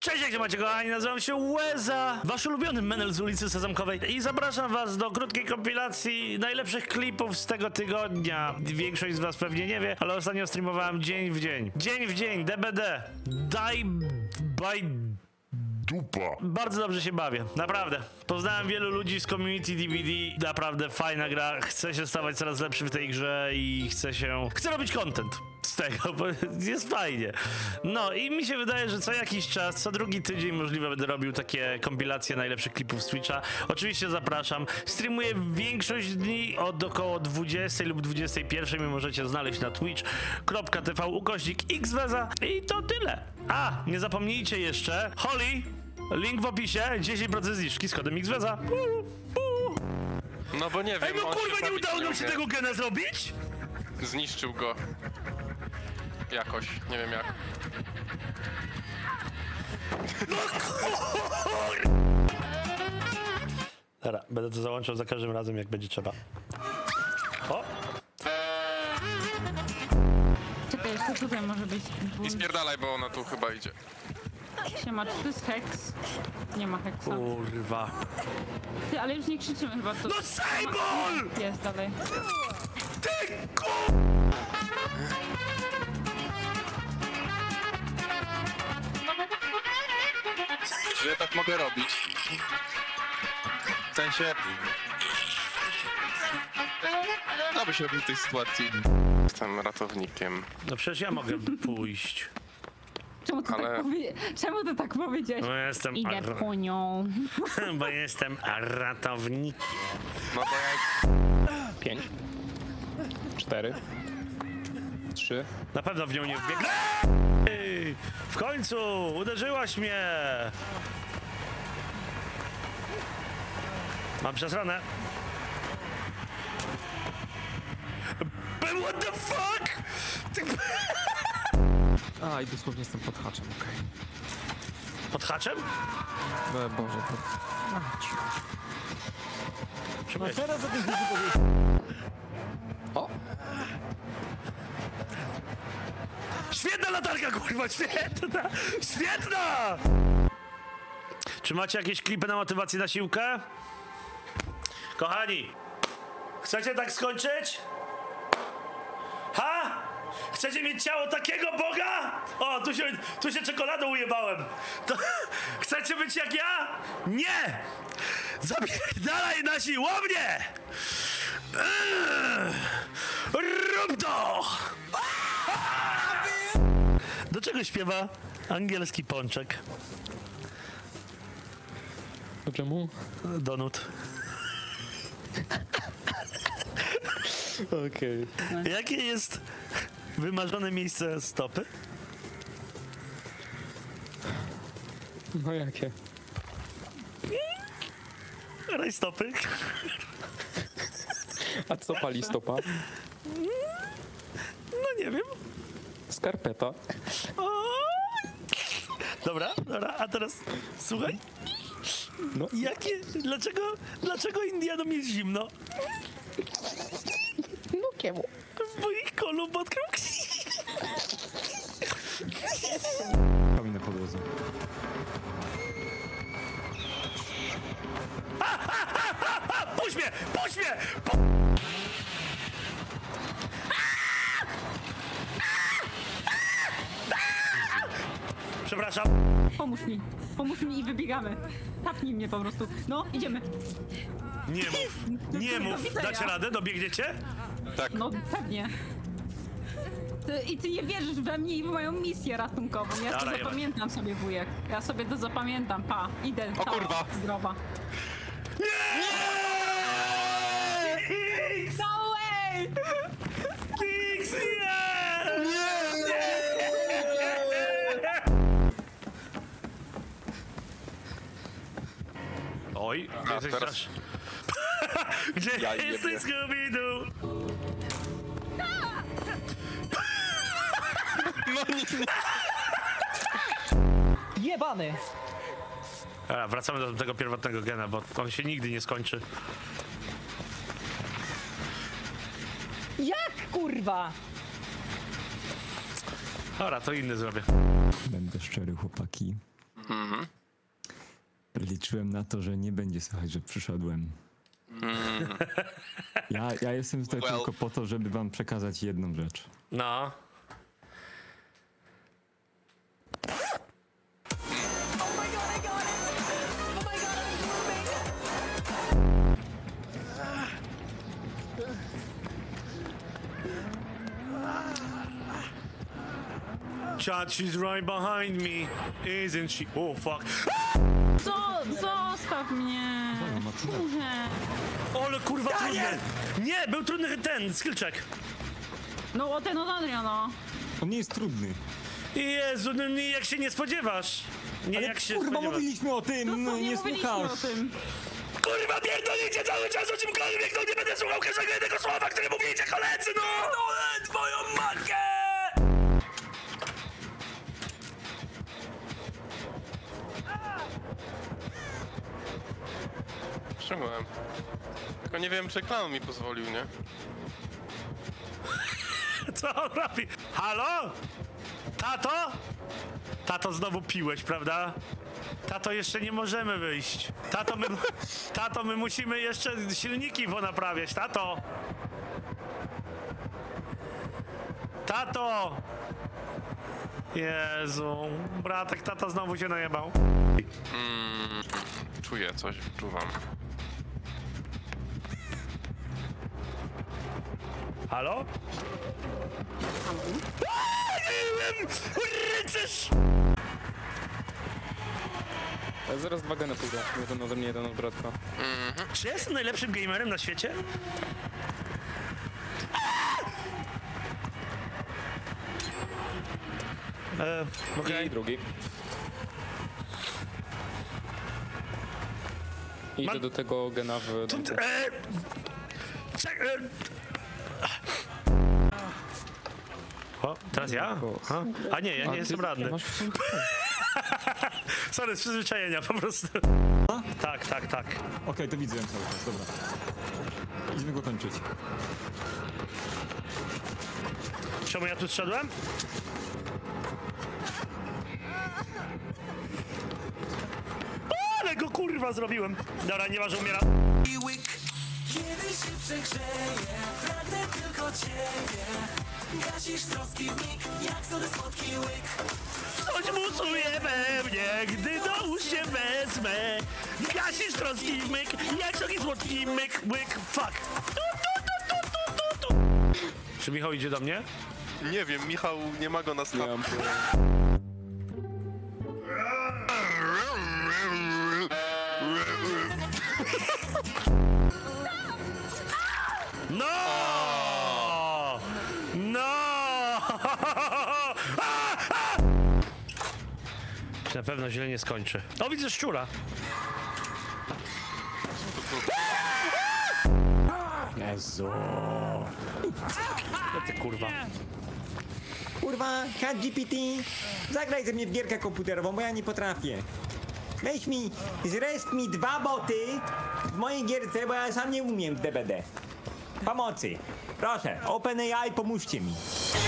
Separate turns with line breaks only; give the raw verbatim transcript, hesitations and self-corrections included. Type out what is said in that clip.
Cześć, jak się macie, kochani, nazywam się Łeza, wasz ulubiony menel z ulicy Sezamkowej i zapraszam was do krótkiej kompilacji najlepszych klipów z tego tygodnia. Większość z was pewnie nie wie, ale ostatnio streamowałem dzień w dzień. Dzień w dzień, D B D. Die by...
Dupa.
Bardzo dobrze się bawię, naprawdę. Poznałem wielu ludzi z community D V D, naprawdę fajna gra. Chcę się stawać coraz lepszy w tej grze i chcę się... Chcę robić content z tego, bo jest fajnie. No i mi się wydaje, że co jakiś czas, co drugi tydzień możliwe będę robił takie kompilacje najlepszych klipów z Twitcha. Oczywiście zapraszam. Streamuję większość dni od około dwudziestej lub dwudziestej pierwszej. Mnie możecie znaleźć na twitch kropka t v ukośnik xweza i to tyle. A, nie zapomnijcie jeszcze, Holly, link w opisie, dziesięć procent zniżki z kodem xweza.
No bo nie wiem,
Ej, no
on
kurwa,
się
nie
zabić
udało nam się
umie.
tego gena zrobić?
Zniszczył go. Jakoś, nie wiem jak.
Dobra, będę to załączał za każdym razem, jak będzie trzeba. O!
Czekaj, jeszcze tutaj może być ból.
I spierdalaj, bo ona tu chyba idzie.
Siema, czy to jest heks? Nie ma heksa.
Kurwa.
Ty, ale już nie krzyczymy chyba to.
No Sejbol!
Jest dalej.
Ty ku...
Że ja tak mogę robić. W sensie... Co byś robił w tej sytuacji? Jestem ratownikiem.
No przecież ja mogę pójść.
Czemu ty,
Ale-
tak, powie... Czemu ty tak powiedziałeś?
Bo jestem...
Idę
ar-
po nią.
Bo jestem ratownikiem.
No bo jak...
Pięć. Cztery. Trzy.
Na pewno w nią nie wbiegnę. Ej, w końcu! Uderzyłaś mnie! Mam przesranę. But what the fuck? Ty...
A, i dosłownie jestem pod haczem, okej.
Pod haczem?
Okay. Boże, to...
Przepraszam.
teraz o tym nie powiedzieć. O!
Świetna latarka, kurwa, świetna! Świetna! Czy macie jakieś klipy na motywację na siłkę? Kochani, chcecie tak skończyć? Ha? Chcecie mieć ciało takiego Boga? O, tu się, tu się czekoladą ujebałem. To, chcecie być jak ja? Nie! Zapierdalaj na siłownię! Eee, Rób to! Do czego śpiewa angielski pączek?
To czemu?
Donut.
Okej.
Jakie jest wymarzone miejsce stopy?
No jakie?
Rajstopy.
A co pali stopa?
No nie wiem.
Skarpeta.
O! Dobra, dobra, a teraz słuchaj.
No.
Jakie, dlaczego, dlaczego Indianom jest zimno?
No kiemu?
Bo ich kolumb odkrył.
Kamień na podłodze.
Puść mnie! Puść mnie! Pu- Przepraszam.
Pomóż mi. Pomóż mi i wybiegamy. Tapnij mnie po prostu. No, idziemy.
Nie mów, nie mów. Dacie radę? Dobiegniecie?
Tak.
No, pewnie. Ty, I ty nie wierzysz we mnie i w moją misję ratunkową. Ja to
Dobra, jeba.
zapamiętam sobie, wujek. Ja sobie to zapamiętam. Pa, idę.
O kurwa.
Zdrowa.
Kix!
No way!
Kix, nie! Oj,
A,
jesteś
teraz-
strasz... Gdzie
Ja jebie.
jesteś, Scooby-Doo?
No nie, nie.
Jebany!
Dobra, wracamy do tego pierwotnego gena, bo on się nigdy nie skończy.
Jak kurwa?
Dobra, to inny zrobię.
Będę szczery, chłopaki.
Mhm.
Liczyłem na to, że nie będzie słychać, że przyszedłem. Ja, ja jestem tutaj
Well.
tylko po to, żeby wam przekazać jedną rzecz.
No. Chad, she's right behind me, isn't she? Oh fuck.
Co? Zostaw mnie! Nie.
Ole kurwa trudny. Nie, był trudny ten skill check.
No o ten od Adria, no.
On nie jest trudny.
Jezu, no nie, jak się nie spodziewasz. Nie,
Ale
jak się
kurwa,
spodziewasz.
mówiliśmy o tym, no
Dosłownie
nie
mówiliśmy
słuchasz.
o tym.
Kurwa, pierdolicie cały czas o czymkolwiek, no nie będę słuchał każdego jednego słowa, które mówicie, koledzy, no! No, twoją matkę!
Przyjąłem. Tylko nie wiem, czy klan mi pozwolił, nie?
Co on robi? Halo? Tato? Tato, znowu piłeś, prawda? Tato, jeszcze nie możemy wyjść. Tato, my, tato, my musimy jeszcze silniki ponaprawiać, tato! Tato! Jezu, bratek, tata znowu się najebał.
Mm, czuję coś, wczuwam.
Halo? Aaa, nie wiem! Rycerz!
Ja zaraz dwa geny pójdę. Jeden ode mnie, jeden od Bradka.
Czy ja jestem najlepszym gamerem na świecie? E, okej.
I drugi. Idę
Mam-
do tego gena w domku.
E, czek, e. O, teraz ja? A, a nie, ja nie
A,
jestem
ty
radny.
masz w sumie-
Sorry, z przyzwyczajenia po prostu. Tak, tak, tak.
Okej, to widzę ją cały czas, dobra. Idźmy go kończyć.
Czemu ja tu zszedłem? Ale go kurwa zrobiłem. Dobra, nie ma, że umiera.
Kiedy się przegrzeje, pragnę tylko ciebie. Gasisz troski w mig, jak sody słodki łyk.
Coś musuje we mnie, gdy do ust się wezmę. Gasisz troski w myk, jak taki słodki myk, łyk, fuck. Tu, tu, tu, tu, tu, tu, tu. Czy Michał idzie do mnie?
Nie wiem, Michał nie ma go na
Nie
stop.
mam
No! No! A, a! Na pewno źle nie skończy. O, widzę szczura.
Jezu.
No ty kurwa.
Kurwa, ChatGPT, zagraj ze mnie w gierkę komputerową, bo ja nie potrafię. Weź mi, zrest mi dwa boty w mojej gierce, bo ja sam nie umiem w D B D. Pomocy. Proszę, OpenAI, pomóżcie mi.